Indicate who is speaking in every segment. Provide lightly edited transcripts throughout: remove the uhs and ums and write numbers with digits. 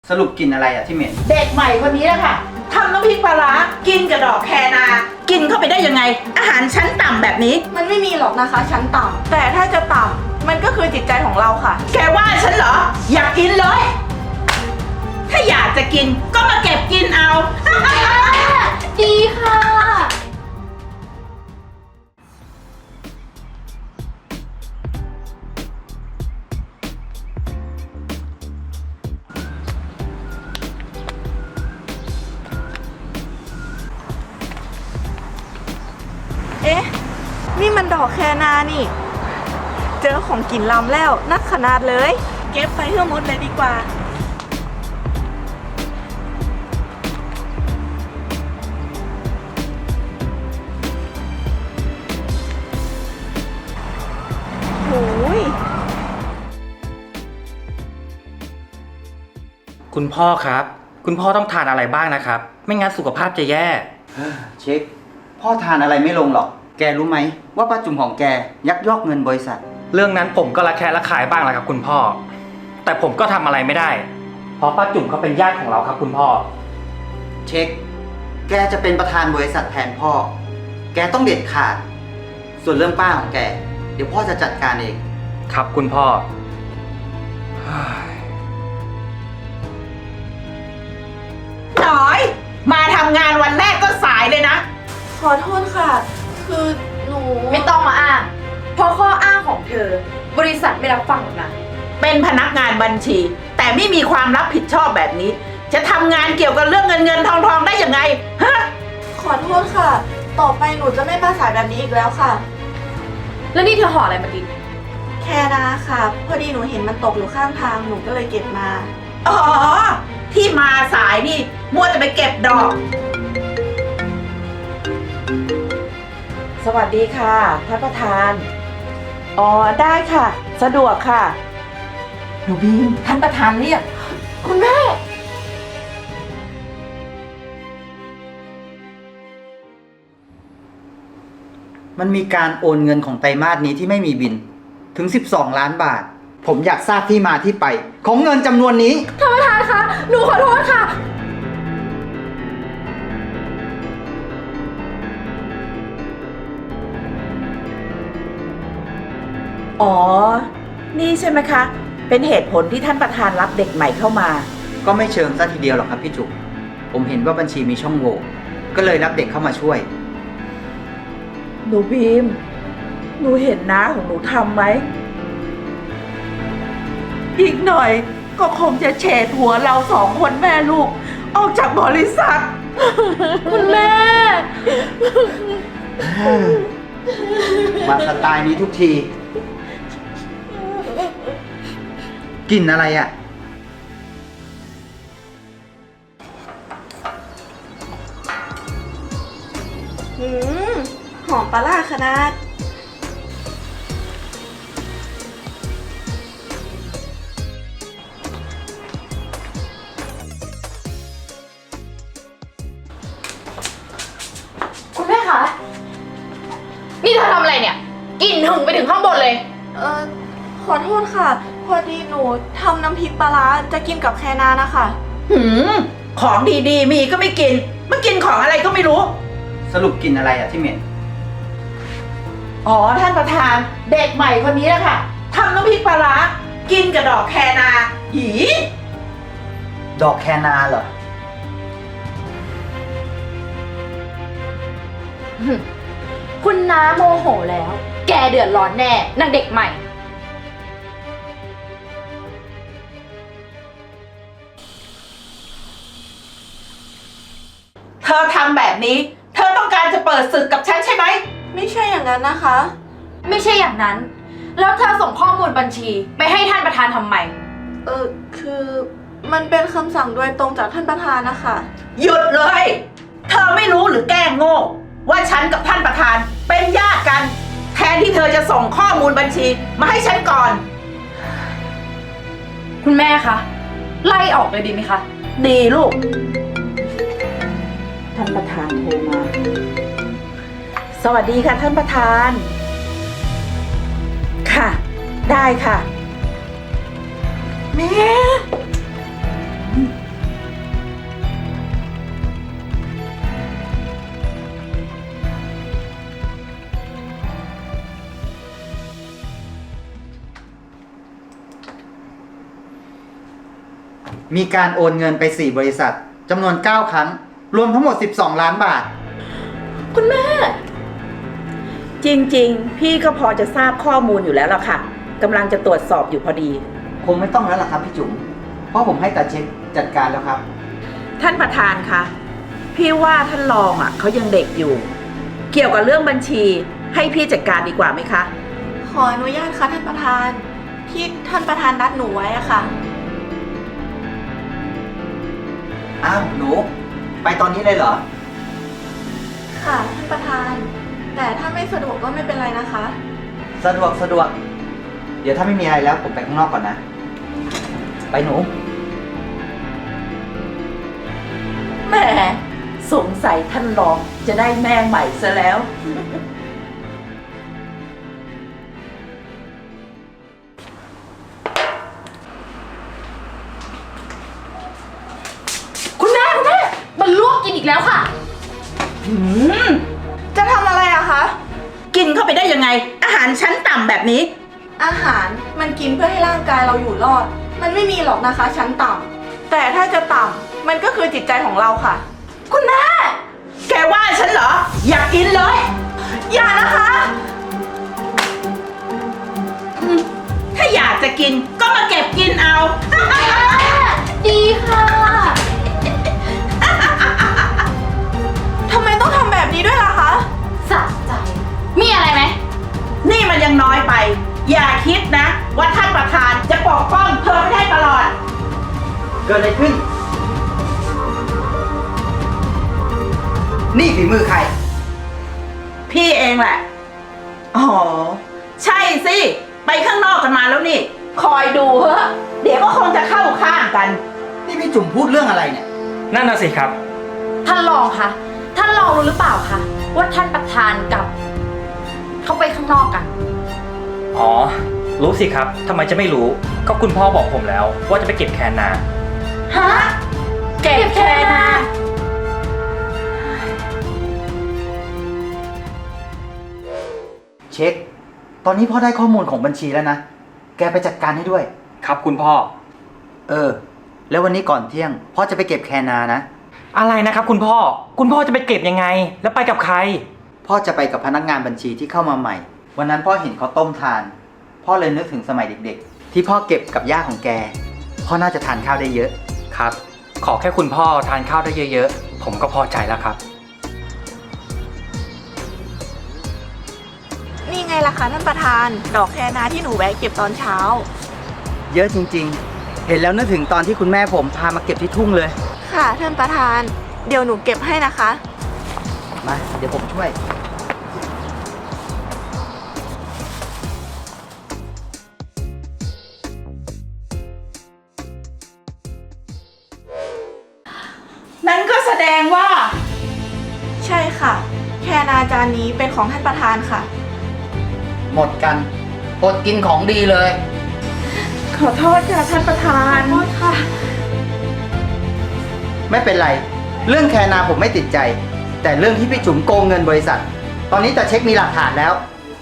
Speaker 1: สรุปกินอะไรอะที่เหม็น
Speaker 2: เด็กใหม่คนนี้แหละค่ะทำน้ำพริกปลาร้ากินกับดอกแคนา กินเข้าไปได้ยังไง อาหารชั้นต่ำแบบนี้
Speaker 3: มันไม่มีหรอกนะคะชั้นต่ำแต่ถ้าจะต่ำมันก็คือจิตใจของเราค่ะ
Speaker 2: แกว่าฉันเหรอ อยากกินเลย ถ้าอยากจะกินก็มาเก็บกินเอา
Speaker 4: ดีค่ะ
Speaker 3: เอ๊ะ นี่มันดอกแคนานี่ เจอของกินลำแล้วนักขนาดเลย เก็บไปให้หมดเลยดีกว่าโอ้ย
Speaker 5: คุณพ่อครับ คุณพ่อต้องทานอะไรบ้างนะครับ ไม่งั้นสุขภาพจะแย่
Speaker 1: เช็คพ่อทานอะไรไม่ลงหรอกแกรู้ไหมว่าป้าจุ๋มของแกยักยอกเงินบริษัท
Speaker 5: เรื่องนั้นผมก็ระแคะระคายบ้างแหละครับคุณพ่อ แต่ผมก็ทำอะไรไม่ได้ เพราะป้าจุ๋มเขาเป็นญาติของเราครับคุณพ่อ
Speaker 1: เช็คแกจะเป็นประธานบริษัทแทนพ่อ แกต้องเด็ดขาด ส่วนเรื่องป้าของแก เดี๋ยวพ่อจะจัดการเอง
Speaker 5: ครับคุณพ่อ
Speaker 2: น้อย มาทำงานวันแรกก็สายเลยนะ
Speaker 3: ขอโทษค่ะ คือหนู
Speaker 4: ไม่ต้องมาอ้าง เพราะข้ออ้างของเธอ บริษัทไม่รับฟังหรอกนะ
Speaker 2: เป็นพนักงานบัญชี แต่ไม่มีความรับผิดชอบแบบนี้ จะทำงานเกี่ยวกับเรื่องเงินทองได้ยังไงฮะ
Speaker 3: ขอโทษค่ะ ต่อไปหนูจะไม่มาสายแบบนี้อีกแล้วค่ะ
Speaker 4: แล้วนี่เธอห่ออะไรมากิน
Speaker 3: แค่นาค่ะ พอดีหนูเห็นมันตกอยู่ข้างทาง หนูก็เลยเก็บมา
Speaker 2: อ๋อ ที่มาสายนี่มัวแต่ไปเก็บดอก สวัสดีค่ะท่านประธาน อ๋อ ได้ค่ะ สะดวกค่ะ หนูบีมท่านประธานเรียก
Speaker 4: คุณแม่
Speaker 1: มันมีการโอนเงินของไตรมาสนี้ที่ไม่มีบินถึง 12 ล้านบาท ผมอยากทราบที่มาที่ไป ของเงินจำนวนนี้
Speaker 4: ท่านประธานคะ หนูขอโทษค่ะ
Speaker 2: อ๋อ นี่ใช่ไหมคะ เป็นเหตุผลที่ท่านประธานรับเด็กใหม่เข้ามา
Speaker 1: ก็ไม่เชิงซะทีเดียวหรอกครับพี่จุ๋มผมเห็นว่าบัญชีมีช่องโหว่ก็เลยรับเด็กเข้ามาช่วย
Speaker 2: หนูบีม หนูเห็นน้าของหนูทำไหม อีกหน่อยก็คงจะเฉดหัวเราสองคนแม่ลูก ออกจากบริษัท
Speaker 4: คุณแม่
Speaker 1: มาสไตล์นี้ทุกที กลิ่นอะไรอ่ะ
Speaker 3: หืม หอมปลาร้าขนาด
Speaker 4: คุณแม่คะ นี่เธอทำอะไรเนี่ยกลิ่นถึงไปถึงข้างบนเลย
Speaker 3: ขอโทษค่ะ พอดีหนูทำน้ำพริกปลาร้าจะกินกับแคนานะคะ
Speaker 2: หืม ของดีๆ มีก็ไม่กิน มากินของอะไรก็ไม่รู้
Speaker 1: สรุปกลิ่นอะไรอ่ะที่เหม็น
Speaker 2: อ๋อ ท่านประธาน เด็กใหม่คนนี้แหละค่ะทำน้ำพริกปลาร้ากินกับดอกแคนา หี
Speaker 1: ดอกแคนาเหรอ
Speaker 4: คุณน้าโมโหแล้ว แกเดือดร้อนแน่นางเด็กใหม่
Speaker 2: เธอทำแบบนี้ เธอต้องการจะเปิดศึกกับฉันใช่ไหม
Speaker 3: ไม่ใช่อย่างนั้นนะคะ
Speaker 4: ไม่ใช่อย่างนั้น แล้วเธอส่งข้อมูลบัญชีไปให้ท่านประธานทำไม
Speaker 3: คือมันเป็นคำสั่งโดยตรงจากท่านประธานนะคะ
Speaker 2: หยุดเลย เธอไม่รู้หรือแกล้งโง่ ว่าฉันกับท่านประธานเป็นญาติกัน แทนที่เธอจะส่งข้อมูลบัญชีมาให้ฉันก่อน
Speaker 4: คุณแม่คะ ไล่ออกเลยดีไหมคะ
Speaker 2: ดีลูก ท่านประธานโทรมา สวัสดีค่ะท่านประธาน ค่ะ ได้ค่ะ แม่
Speaker 1: มีการโอนเงินไป 4 บริษัทจำนวน 9 ครั้ง รวมทั้งหมด 12 ล้านบาท
Speaker 3: คุณแม่
Speaker 2: จริงๆ พี่ก็พอจะทราบข้อมูลอยู่แล้วล่ะค่ะกำลังจะตรวจสอบอยู่พอดี
Speaker 1: คงไม่ต้องแล้วล่ะครับพี่จุ๋ม เพราะผมให้ตาเช็คจัดการแล้วครับ
Speaker 2: ท่านประธานคะพี่ว่าท่านรองเขายังเด็กอยู่ เกี่ยวกับเรื่องบัญชีให้พี่จัดการดีกว่าไหมคะ
Speaker 3: ขออนุญาตค่ะท่านประธานที่ท่านประธานนัดหนูไว้อะค่ะ
Speaker 1: อ้าวหนู ไปตอนนี้เลยเหรอ
Speaker 3: ค่ะท่านประธาน แต่ถ้าไม่สะดวกก็ไม่เป็นไรนะคะ
Speaker 1: สะดวก เดี๋ยวถ้าไม่มีอะไรแล้วผมไปข้างนอกก่อนนะ ไปหนู
Speaker 2: แหมสงสัยท่านรองจะได้แม่ใหม่ซะแล้ว
Speaker 4: คุณแม่มันลวกกินอีกแล้วค่ะ
Speaker 3: จะทำอะไรอะคะ
Speaker 2: กินเข้าไปได้ยังไง อาหารชั้นต่ำแบบนี้
Speaker 3: อาหารมันกินเพื่อให้ร่างกายเราอยู่รอด มันไม่มีหรอกนะคะชั้นต่ำแต่ถ้าจะต่ำมันก็คือจิตใจของเราค่ะ
Speaker 2: คุณแม่ แกว่าฉันเหรอ อยากกินเลย
Speaker 3: อย่านะคะ
Speaker 2: ถ้าอยากจะกินก็มาเก็บกินเอา
Speaker 4: ดีค่ะ
Speaker 3: ทำไมต้องทำแบบนี้ด้วยล่ะคะ
Speaker 4: สะใจ มีอะไรไหม
Speaker 2: นี่มันยังน้อยไป อย่าคิดนะ ว่าท่านประธานจะปกป้องเธอไม่ได้ตลอด
Speaker 1: เกิดอะไรขึ้น นี่ฝีมือใคร
Speaker 2: พี่เองแหละ อ๋อ ใช่สิ ไปข้างนอกกันมาแล้วนี่ คอยดูเถอะ เดี๋ยวก็คงจะเข้าข้างกัน
Speaker 1: นี่พี่จุ๋มพูดเรื่องอะไรเนี่ย
Speaker 5: นั่นน่ะสิครับ
Speaker 4: ท่านรองคะ ท่านรองรู้หรือเปล่าคะว่าท่านประธานกับ เขาไปข้างนอกกัน
Speaker 5: อ๋อ รู้สิครับทำไมจะไม่รู้ ก็คุณพ่อบอกผมแล้วว่าจะไปเก็บแคนนา
Speaker 4: ฮะ เก็บแค่นา
Speaker 1: เช็ค ตอนนี้พ่อได้ข้อมูลของบัญชีแล้วนะ แกไปจัดการให้ด้วย
Speaker 5: ครับคุณพ่อ
Speaker 1: แล้ววันนี้ก่อนเที่ยง พ่อจะไปเก็บแคนานะ
Speaker 5: อะไรนะครับคุณพ่อ คุณพ่อจะไปเก็บยังไง แล้วไปกับใคร
Speaker 1: พ่อจะไปกับพนักงานบัญชีที่เข้ามาใหม่ วันนั้นพ่อเห็นเขาต้มทาน พ่อเลยนึกถึงสมัยเด็กๆ ที่พ่อเก็บกับย่าของแก พ่อน่าจะทานข้าวได้เยอะ
Speaker 5: ครับ ขอแค่คุณพ่อทานข้าวได้เยอะๆ ผมก็พอใจแล้วครับ
Speaker 3: นี่ไงล่ะคะท่านประธาน ดอกแคนาที่หนูแวะเก็บตอนเช้า
Speaker 1: เยอะจริงๆ เห็นแล้วนึกถึงตอนที่คุณแม่ผมพามาเก็บที่ทุ่งเลย
Speaker 3: ค่ะท่านประธาน เดี๋ยวหนูเก็บให้นะคะ
Speaker 1: มา เดี๋ยวผมช่วย
Speaker 2: นั่นก็แสดงว่า
Speaker 3: ใช่ค่ะ แคนาจานนี้เป็นของท่านประธานค่ะ
Speaker 1: หมดกันอดกินของดีเลย
Speaker 2: ขอโทษค่ะท่านประธาน
Speaker 3: โทษค่ะ
Speaker 1: ไม่เป็นไร เรื่องแคนาผมไม่ติดใจ แต่เรื่องที่พี่จุ๋มโกงเงินบริษัท ตอนนี้จะเช็คมีหลักฐานแล้ว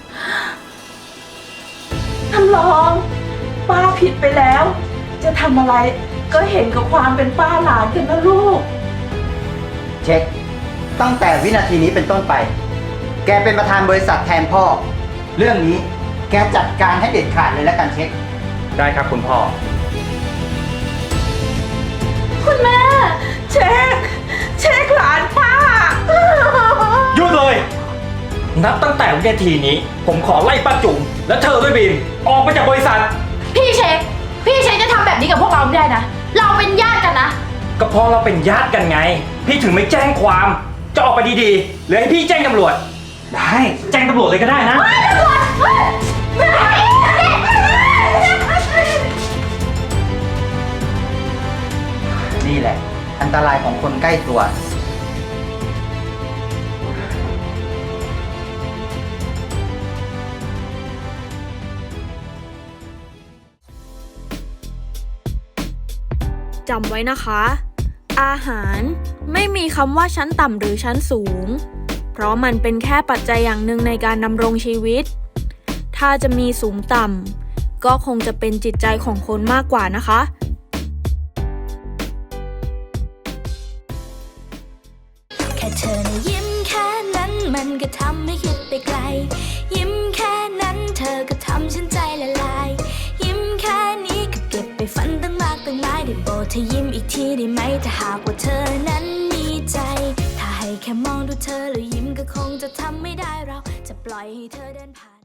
Speaker 2: ท่านรอง ป้าผิดไปแล้ว จะทำอะไรก็เห็นกับความเป็นป้าหลานกันนะลูก
Speaker 1: เช็ค ตั้งแต่วินาทีนี้เป็นต้นไป แกเป็นประธานบริษัทแทนพ่อ เรื่องนี้แกจัดการให้เด็ดขาดเลยแล้วกันเช็ค
Speaker 5: ได้ครับคุณพ่อ
Speaker 2: คุณแม่ เช็คหลานป้า
Speaker 5: หยุดเลย นับตั้งแต่วินาทีนี้ ผมขอไล่ป้าจุ๋มและเธอด้วยบีมออกไปจากบริษัท
Speaker 4: พี่เช็คจะทำแบบนี้กับพวกเราไม่ได้นะ เราเป็นญาติกันนะ
Speaker 5: ก็เพราะเราเป็นญาติกันไง พี่ถึงไม่แจ้งความ จะออกไปดีๆหรือให้พี่แจ้งตำรวจ ได้ แจ้งตำรวจเลยก็ได้นะ
Speaker 1: นี่แหละ อันตรายของคนใกล้ตัว
Speaker 6: จำไว้นะคะ อาหารไม่มีคำว่าชั้นต่ำหรือชั้นสูง เพราะมันเป็นแค่ปัจจัยอย่างหนึ่งในการดำรงชีวิต ถ้าจะมีสูงต่ำก็คงจะเป็นจิตใจของคนมากกว่านะคะ
Speaker 7: แค่เธอนะยิ้มแค่นั้นมันก็ทำให้คิดไปไกล ยิ้มแค่นั้นเธอก็ทำฉันใจละลาย ยิ้มแค่นี้ก็เก็บไปฝันตั้งมากตั้งหลายได้โปรดเธอยิ้มอีกทีได้ไหมถ้าหากว่าเธอนั้นมีใจ ถ้าให้แค่มองดูเธอแล้วยิ้มก็คงจะทำไม่ได้เราจะปล่อยให้เธอเดินผ่าน